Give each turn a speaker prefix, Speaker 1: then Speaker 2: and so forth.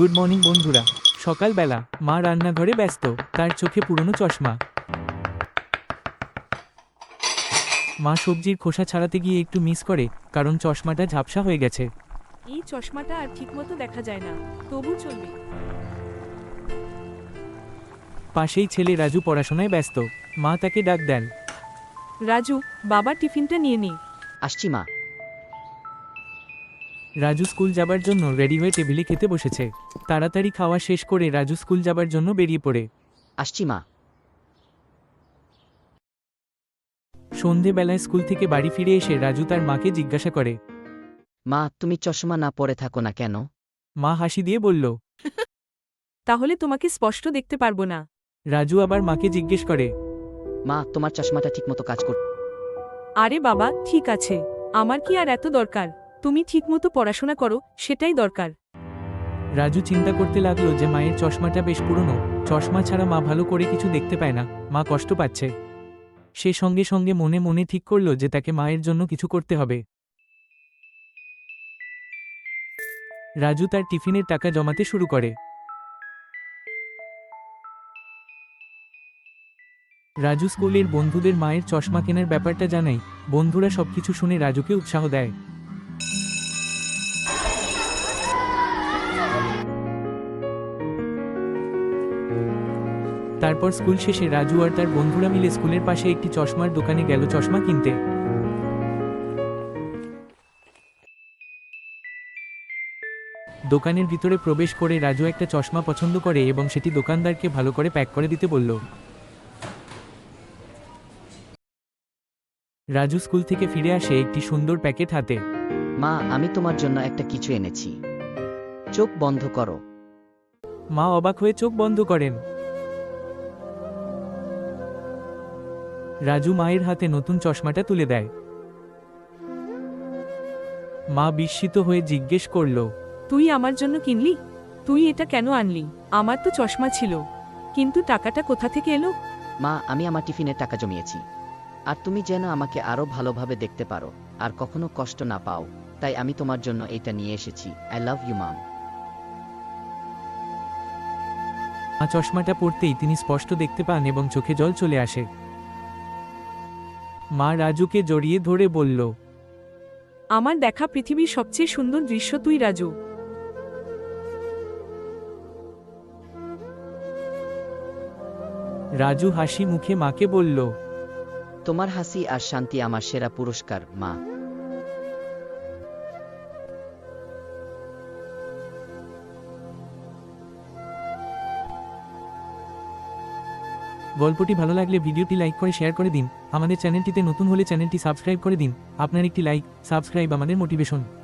Speaker 1: Good morning বন্ধুরা। সকালবেলা মা রান্নাঘরে ব্যস্ত, তার চোখে পুরনো চশমা। মা সবজির খোসা ছাড়াতে গিয়ে একটু মিস করে, কারণ চশমাটা ঝাপসা হয়ে গেছে।
Speaker 2: এই চশমাটা আর ঠিকমতো দেখা যায় না, তবু চলবে।
Speaker 1: পাশেই ছেলে রাজু পড়াশোনায় ব্যস্ত। মা তাকে ডাক দেন।
Speaker 2: রাজু, বাবার টিফিনটা নিয়ে নে।
Speaker 3: আসছি মা।
Speaker 1: রাজু স্কুল যাবার জন্য রেডি হয়ে টেবিলে খেতে বসেছে। তাড়াতাড়ি খাওয়া শেষ করে রাজু স্কুল যাবার জন্য বেরিয়ে পড়ে।
Speaker 3: আসছি মা।
Speaker 1: সন্ধেবেলায় স্কুল থেকে বাড়ি ফিরে এসে রাজু তার মাকে জিজ্ঞাসা করে।
Speaker 3: মা, তুমি চশমা না পরে থাকো না কেন?
Speaker 1: মা হাসি দিয়ে বলল।
Speaker 2: তাহলে তোমাকে স্পষ্ট দেখতে পারবো না।
Speaker 1: রাজু আবার মাকে জিজ্ঞেস করে।
Speaker 3: মা, তোমার চশমাটা ঠিকমতো কাজ কর।
Speaker 2: আরে বাবা, ঠিক আছে, আমার কি আর এত দরকার? তুমি ঠিকমতো পড়াশোনা করো, সেটাই দরকার।
Speaker 1: রাজু চিন্তা করতে লাগলো যে মায়ের চশমাটা বেশ পুরনো, চশমা ছাড়া মা ভালো করে কিছু দেখতে পায় না, মা কষ্ট পাচ্ছে। সে সঙ্গে সঙ্গে মনে মনে ঠিক করলো যে তাকে মায়ের জন্য কিছু করতে হবে। রাজু তার টিফিনের টাকা জমাতে শুরু করে। রাজু স্কুলের বন্ধুদের মায়ের চশমা কেনার ব্যাপারটা জানায়। বন্ধুরা সবকিছু শুনে রাজুকে উৎসাহ দেয়। তারপর স্কুল শেষে রাজু আর তার বন্ধুরা মিলে স্কুলের পাশে একটি চশমার দোকানে গেল চশমা কিনতে। দোকানের ভিতরে প্রবেশ করে রাজু একটা চশমা পছন্দ করে এবং সেটি দোকানদারকে ভালো করে প্যাক করে দিতে বলল। রাজু স্কুল থেকে ফিরে আসে একটি সুন্দর প্যাকেট হাতে।
Speaker 3: মা, আমি তোমার জন্য একটা কিছু এনেছি। চোখ বন্ধ করো।
Speaker 1: মা অবাক হয়ে চোখ বন্ধ করেন। রাজু মায়ের হাতে নতুন চশমাটা তুলে দেয়। মা বিস্মিত হয়ে জিজ্ঞেস করল।
Speaker 2: তুই আমার জন্য কিনলি? তুই এটা কেন আনলি? আমার তো চশমা ছিল, কিন্তু টাকাটা কোথা থেকে এলো?
Speaker 3: মা, আমি আমার টিফিনের টাকা জমিয়েছি। আর তুমি যেন আমাকে আরো ভালোভাবে দেখতে পারো আর কখনো কষ্ট না পাও, তাই আমি তোমার জন্য এটা নিয়ে এসেছি। I love you mom.
Speaker 1: মা চশমাটা পরতেই তিনি স্পষ্ট দেখতে পান এবং চোখে জল চলে আসে। মা রাজুকে জড়িয়ে ধরে বলল।
Speaker 2: আমার দেখা পৃথিবীর সবচেয়ে সুন্দর দৃশ্য তুই, রাজু।
Speaker 1: রাজু হাসি মুখে মাকে বলল।
Speaker 3: তোমার হাসি আর শান্তি আমার সেরা পুরস্কার, মা।
Speaker 1: গল্পটি ভালো লাগলে ভিডিওটি লাইক করে শেয়ার করে দিন। আমাদের চ্যানেলটিতে নতুন হলে চ্যানেলটি সাবস্ক্রাইব করে দিন। আপনার একটি লাইক, সাবস্ক্রাইব আমাদের মোটিভেশন।